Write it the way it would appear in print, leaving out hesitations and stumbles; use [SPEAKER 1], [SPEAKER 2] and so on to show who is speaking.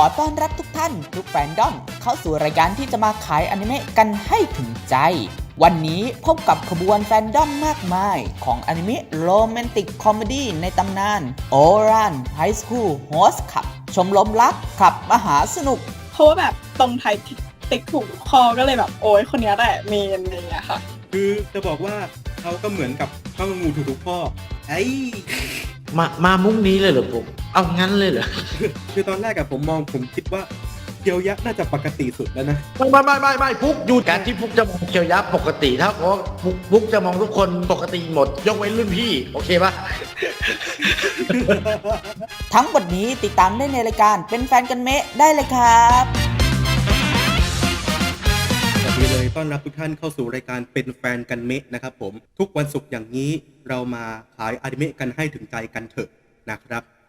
[SPEAKER 1] อต้อนรับทุกท่านทุกแฟนดอมเข้าสู่รายการที่จะมาขายอนิเมะกันให้ถึงใจวันนี้พบกับขบวนแฟนดอมมากมายของอนิเมะโรแมนติกคอมเมดี้ในตำนานโอรันไฮสคูลโฮสขับชมรมรักขับมหาสนุก
[SPEAKER 2] เพราะว่าแบบตรงไทยติ๊กถูกคอก็เลยแบบโอ้ยคนนี้แหละเมนอะไรอย่างเงี้ยค่ะ
[SPEAKER 3] คือจะบอกว่าเขาก็เหมือนกับข้าวงูทุกๆข้อไอ้
[SPEAKER 4] มามุ้งนี้เลยเหรอผมเอางั้นเลยเหรอ
[SPEAKER 3] คือตอนแรกผมคิดว่าเคียวยักษ์น่าจะปกติสุดแล้วนะ
[SPEAKER 4] ไม่พุกอยู่การที่พุกจะมองเคียวยับปกติถ้าเพราะพุกจะมองทุกคนปกติหมดยกเว้นรุ่นพี่โอเคปะ
[SPEAKER 1] ทั้งหมดนี้ติดตามได้ในรายการเป็นแฟนกันเมะได้เลยครับ
[SPEAKER 3] สวัสดีเลยต้อนรับทุกท่านเข้าสู่รายการเป็นแฟนกันเมะนะครับผมทุกวันศุกร์อย่างนี้เรามาขายอนิเมะกันให้ถึงใจกันเถอะนะครับ